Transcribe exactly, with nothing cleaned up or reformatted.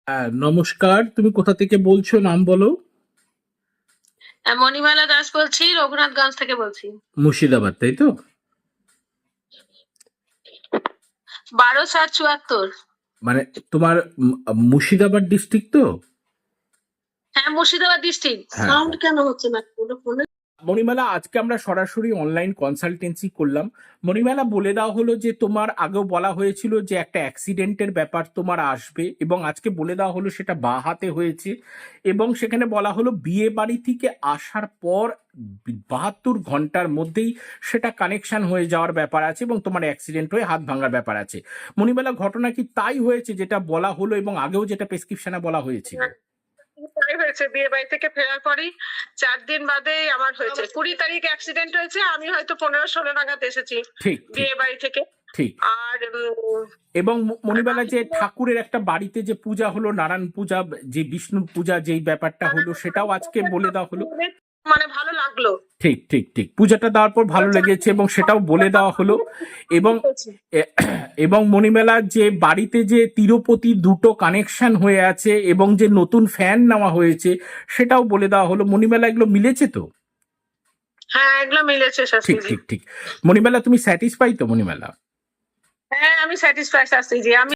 হ্যাঁ, নমস্কার। তুমি কোথা থেকে বলছো, নাম বলো? হ্যাঁ, মণিমালা দাস বলছি, রঘুনাথগঞ্জ থেকে বলছি। মুর্শিদাবাদ, তাই তো? বারো সাত চুয়াত্তর। মানে তোমার উম, মুর্শিদাবাদ ডিস্ট্রিক্ট তো? হ্যাঁ, মুর্শিদাবাদ ডিস্ট্রিক্ট। হ্যাঁ, সাউন্ড হ্যাঁ। কেন হচ্ছে না ওটা ফোনে? মণিমালা, আজকে আমরা সরাসরি অনলাইন কনসালটেন্সি করলাম। মণিমালা, বলে দেওয়া হলো যে তোমার আগেও বলা হয়েছিল যে একটা অ্যাক্সিডেন্টের ব্যাপার তোমার আসবে, এবং আজকে বলে দেওয়া হলো সেটা বা হাতে হয়েছে। এবং সেখানে বলা হলো বিয়ে বাড়ি থেকে আসার পর বাহাত্তর ঘন্টার মধ্যেই সেটা কানেকশন হয়ে যাওয়ার ব্যাপার আছে, এবং তোমার অ্যাক্সিডেন্ট হয়ে হাত ভাঙার ব্যাপার আছে। মণিমালা, ঘটনা কি তাই হয়েছে যেটা বলা হলো, এবং আগেও যেটা প্রেসক্রিপশনে বলা হয়েছিল? তাই হয়েছে, বিয়ে বাড়ি থেকে ফেরার পরই চার দিন বাদে আমার হয়েছে। কুড়ি তারিখ অ্যাক্সিডেন্ট হয়েছে, আমি হয়তো পনেরো ষোলো নাগাদ এসেছি ঠিক, ঠিক, বিয়ে বাড়ি থেকে। ঠিক। আর উম, এবং ম- আর মণিবালা, বাকি যে দিনে ঠাকুরের একটা বাড়িতে যে পূজা হলো, নারায়ণ পূজা, যে বিষ্ণু পূজা, যেই ব্যাপারটা হলো সেটাও আজকে বলে দেওয়া হলো। মানে ভালো লাগলো। ঠিক, ঠিক, ঠিক। পূজাটা দেওয়ার পর ভালো লেগেছে এবং সেটাও বলে দেওয়া হলো। এবং এ- এবং মণিমেলা, যে বাড়িতে যে তিরুপতি দুটো কানেকশন হয়ে আছে এবং যে নতুন ফ্যান নেওয়া হয়েছে সেটাও বলে দেওয়া হলো। মণিমেলা, এগুলো মিলেছে তো? হ্যাঁ, এগুলো মিলেছে ঠিক, শাস্ত্রীজি। ঠিক, ঠিক। মণিমেলা, তুমি স্যাটিসফাই তো মণিমেলা? হ্যাঁ, আমি স্যাটিসফাই শাস্ত্রীজি। আমি